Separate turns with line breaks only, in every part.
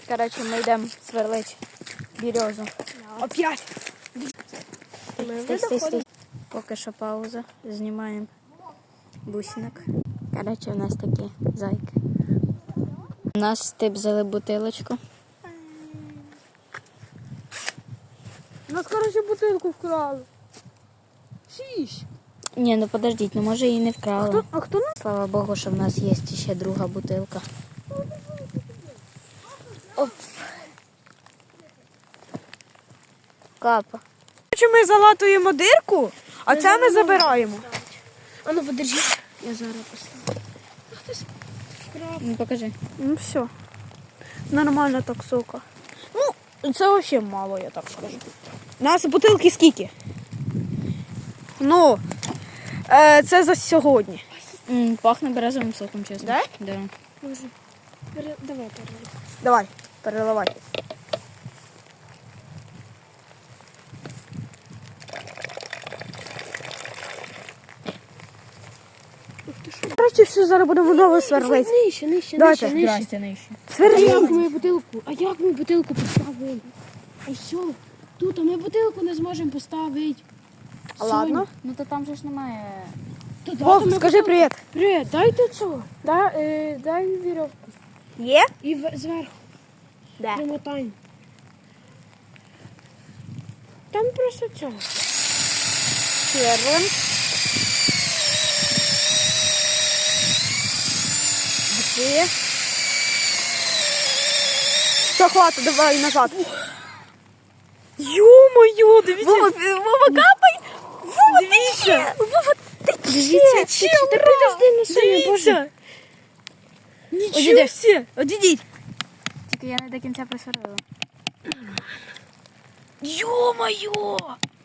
Коротше, ми йдемо сверлити березу.
Опять.
Стій. Поки що пауза. Знімаємо бусинок. Коротше, у нас такі зайки. У нас тип взяли бутилочку.
У нас, короче, бутилку вкрали. Шість.
Ні, ну подождіть, ну може її не вкрали.
А хто нас?
Слава Богу, що в нас є ще друга бутилка. Оп. Капа.
Короче, ми залатуємо дирку, а це ми забираємо.
А ну подержи. Я зараз поставлю.
Ну покажи.
Ну все. Нормально так, сука. Ну, це взагалі мало, я так скажу. У нас бутилки скільки? Ну, це за сьогодні.
Пахне березовим соком, чесно.
Да?
Да.
Може. Давай переливай.
Давай, переливай. Короче, все, зараз будемо нове сверлити.
Нижче.
Давайте.
нижче.
А
Сверли.
як ми бутилку? А як ми бутилку поставили? Ось що? Тут, а ми бутилку не зможемо поставити.
Ладно.
Ну то там же ж немає.
Вов, скажи привіт.
Привіт, дайте цього. Дай вірьовку.
Є?
І зверху.
Де?
Примотаємо. Там просто цього.
Сверлим. Є. Все, хватить, давай назад. Ё-моё, дивіться. Вова, капай. Вова, дивіться. Вова,
Дивіться, та підожди на себе, боже.
Нічого себе. Одійдіть.
Тільки я не до кінця присверлила.
Ё-моё.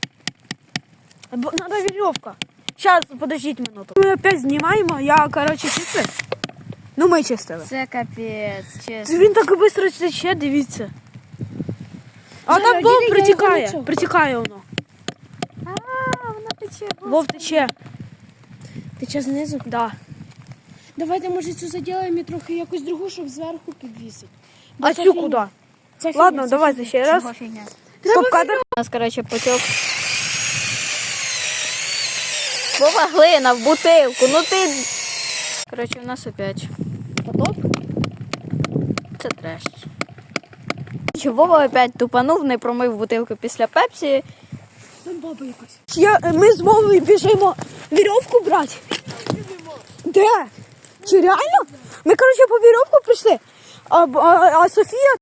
Надо веревка. Сейчас, подождите минуту. Мы опять знімаємо, я, короче, чистив. Ну, ми чистили.
Це капець, чесно.
Він так швидко тече, дивіться. А
Зараз,
там Вов
діди, я
притікає.
його лицо.
Притікає воно.
Вона тече.
Вов тече.
Ти час знизу?
Да.
Давайте, може, цю заділаємо і трохи якусь другу, щоб зверху підвісити. Бо
А
це
цю
фігня.
куди?
Це фігня,
Ладно,
це
давайте
фігня.
ще раз.
Чого фігня?
Стоп, кадр.
У нас, коротше, потік. Вова, глина в бутилку, ну ти... Коротше, у нас опять потоп. Це треш. Чи Вова опять тупанув, не промив бутилку після пепсі.
Там баба якась.
Ми з Вовою біжимо вірьовку брати. Де? Чи реально? Ми, коротше, по вірьовку прийшли. А Софія